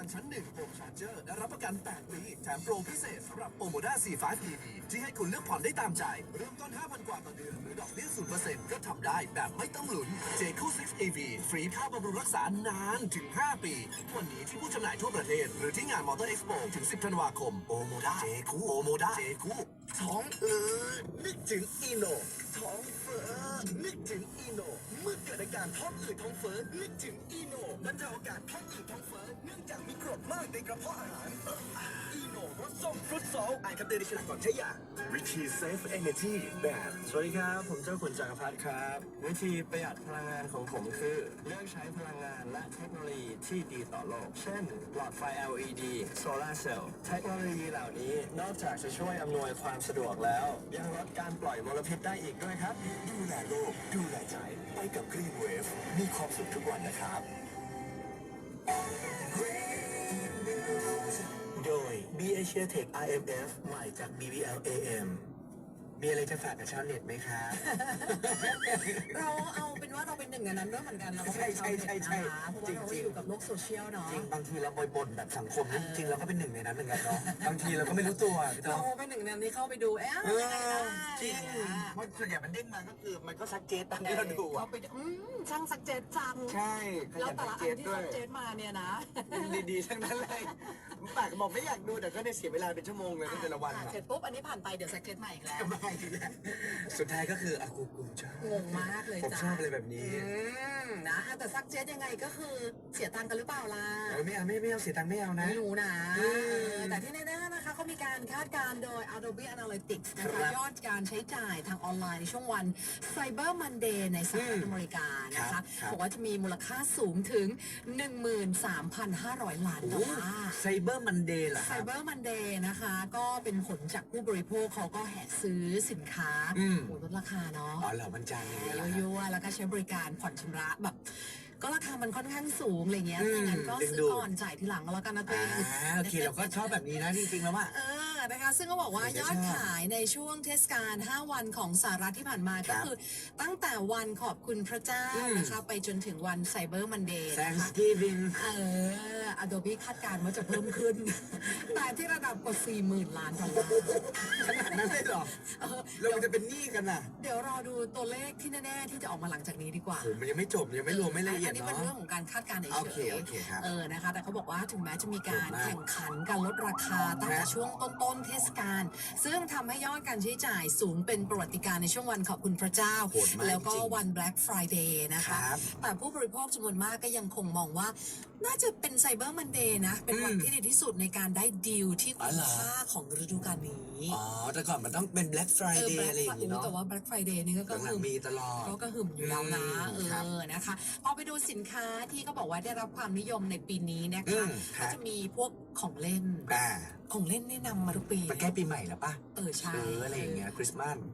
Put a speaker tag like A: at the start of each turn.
A: ชั้น1โฮมชาร์เจอร์และรับประกัน 8 ปีแถมโปรพิเศษสำหรับ Omoda C5 EV ที่ให้คุณเลือกผ่อนได้ตามใจ เริ่มต้น 5,000 กว่าต่อเดือนหรือดอกเบี้ย 0% ก็ทำได้แบบไม่ต้องลุ้น JQ6 EV ฟรีค่าบำรุงรักษานานถึง 5 ปี วันนี้ที่ผู้จำหน่ายทั่วประเทศ หรือที่งานมอเตอร์เอ็กซ์โปถึง 10 ธันวาคม Omoda JQ Omoda JQ ท้องนึกถึงอีโนท้องเฟ้อนึกถึงอีโนเมื่อเกิดอาการท้องอืดท้องเฟ้อนึกถึงอีโนบรรเทาอาการท้องอืดท้องเฟ้อเนื่องจากมีกรดมากในกระเพาะอาหารอีโนรสส้มฟรุตโซลอ่านคำเตือนในฉลากก่อนใช้ยาวิธี Save Energy แบบ
B: สวัสดีครับผมเจ้าขุนจักรพัฒน์ครับวิธีประหยัดพลังงานของผมคือเลือกใช้พลังงานและเทคโนโลยีที่ดีต่อโลกเช่นหลอดไฟ LED Solar Cell เทคโนโลยีเหล่านี้นอกจากจะช่วยอำนวยความสะดวกแล้วยังลดการปล่อยมลพิษได้อีกด้วยครับ
A: ดูแลโลกดูแลใจไปกับ Green Wave มีความสุขทุกวันนะครับ โดย B Asia Tech IMF ใหม่จาก BBL AM มีอะไรจะฝากกับชาวเน็ตไหมครับ
C: เราเอาเป็นว่าเราเป็นหนึ่งในนั้นด้วยเหมือนกันเราก็
A: ใช่ใช่ใช่ใช่
C: เพราะว่าเรา
A: จริงๆ
C: อยู่กับโลกโซเชียลเนาะ
A: จริงบางทีเราบ่นแบบสังคมนะจริงๆเราก็เป็นหนึ่งในนั้นเหมือนกันเนาะบางทีเราก็ไม่รู้ตัวพี่
C: เรา
A: เนาะ
C: เป็นหนึ่งในนั้นที่เข้าไปดูยังไงได้
A: จริงเพราะส่วนใหญ่มันเด้งมาก็คือมันก็ซักเจตตามที่เราดู
C: เข้า
A: อะ
C: ไปดูช่างสักเจตจัง
A: ใช่ข
C: แล้ว
A: ยัน
C: แต่
A: ซั
C: ละ
A: กเจ
C: อัน
A: ต
C: ที่
A: ด้วย
C: สักเจตมาเนี่ยนะ
A: ดีๆทั้งนั้นเลยปากบอกไม่อยากดูแต่ก็ได้เสียเวลาเป็นชั่วโมงเลยแต่ละวัน
C: เสร็จปุ๊บอันนี้ผ่านไปเดี๋ยวสักเจตใหม่อีกแล้ว
A: ไม่ทีแหละสุดท้ายก็คืออากูชอบ
C: งงมากเลย
A: ผม
C: จ้ะ
A: ชอบอะไรแบบนี้
C: นะแต่ซักเจตยังไงก็คือเสียตังค์กันหรือเปล่าล่ะ
A: ไม่เอาเสียตังค์ไม่เอานะ
C: ไม่รู้นะ
A: อืม
C: แต่ที่แน่ๆนะคะเขามีการคาดการณ์โดย Adobe Analytics นะ
A: ครั
C: คะ
A: บ
C: ยอดการใช้จ่ายทางออนไลน์ในช่วงวัน Cyber Monday ในสหรัฐอเมริกานะ
A: ครั
C: คะ
A: บครับ
C: บอกว่าจะมีมูลค่าสูงถึง 13,500 ล้านดอลลาร์
A: ไซเบอร์มันเดย์เหรอครับ
C: Cyber Monday นะคะก็เป็นผลจากผู้บริโภคเขาก็แห่ซื้อสินค้า
A: อืม
C: โอ้ลดราคาเนาะ
A: อ๋อเหรอมันจางอย่างเงี้ยเหรอครับ
C: ยั่วๆแล้วก็ใช้บริการผ่อนชำระแบบ ก็ราคามันค่อนข้างสูงอะไรเงี้ย
A: อืม
C: งั้นก็
A: ดึง
C: ซื้
A: ดู
C: อ
A: ด
C: ก่อนจ่ายทีหลังก็แล้วกันนะตัวเอง
A: โอเคเราก็ชอบแบบนี้นะจริงๆแล้วว่า
C: นะคะซึ่งก็บอกว่า
A: เดี๋
C: ย
A: ยว
C: อ
A: จะ
C: ด
A: ชอบ
C: ขายในช่วงเทศกาล 5 วันของสหรัฐที่ผ่านมา
A: ค
C: ก็
A: รับ
C: คือตั้งแต่วันขอบคุณพระเจ้า
A: อืม
C: นะคะไปจนถึงวันไซเบอร์มันเดย์นะคะ
A: Thanksgiving
C: Adobe คาดการณ์ว่าจะเพิ่มขึ้น แต่ที่ระดับกว่า 40,000 ล้านดอลลาร์
A: ขนาดนั้นเลยเหรอ
C: เออ
A: เราจะเป็นหนี้กันน่ะ
C: เดี๋ยวรอดูตัวเลขที่แน่ๆที่จะออกมาหลังจากนี้ดีกว่า
A: โหมันยังไม่จบยังไม่รวมไม่ละเอียด
C: นนี้
A: เนาะ
C: เป็นเรื่องของการคาดการณ์เฉย
A: โอเคโอเคครับ
C: นะคะแต่เขาบอกว่าถึงแม้จะมีการ
A: โหดมาก
C: แข่งขันการลดราคาตั้งแต่ช่วงต้นๆเทศกาลซึ่งทำให้ยอดการใช้จ่ายสูงเป็นประวัติการณ์ในช่วงวันขอบคุณพระเจ้า
A: โหดมาก
C: แล้วก็
A: จริง
C: วัน Black Friday นะคะ
A: ครับ
C: แต่ผู้บริโภคจำนวนมากก็ยังคงมองว่า น่าจะเป็นไซเบอร์มันเดย์นะ เป็นวันที่ดีที่สุดในการได้ดีลที่คุ้มค่าของฤดูกาลนี้
A: อ๋อแต่ก่อนมันต้องเป็น Black Friday อะไรอย่างงี้เนาะ
C: แต่ว่า Black Friday นี่ก็
A: หลั
C: คื
A: ง
C: อ
A: ๆมีตลอด
C: ก็กระหึ่มอยู่แล้วนะ
A: ครับ
C: นะคะพอไปดูสินค้าที่ก็บอกว่าได้รับความนิยมในปีนี้นะ
A: อื
C: คะ
A: มครั
C: ก็
A: บ
C: จะมีพวกของเล่น
A: อ่า
C: ของเล่นแนะนำมาทุกปี
A: มันใกล้ปีใหม่แล้วป่ะ
C: ใช่
A: ซื้ออะไรอย่างเงี้ยคริสต์มาส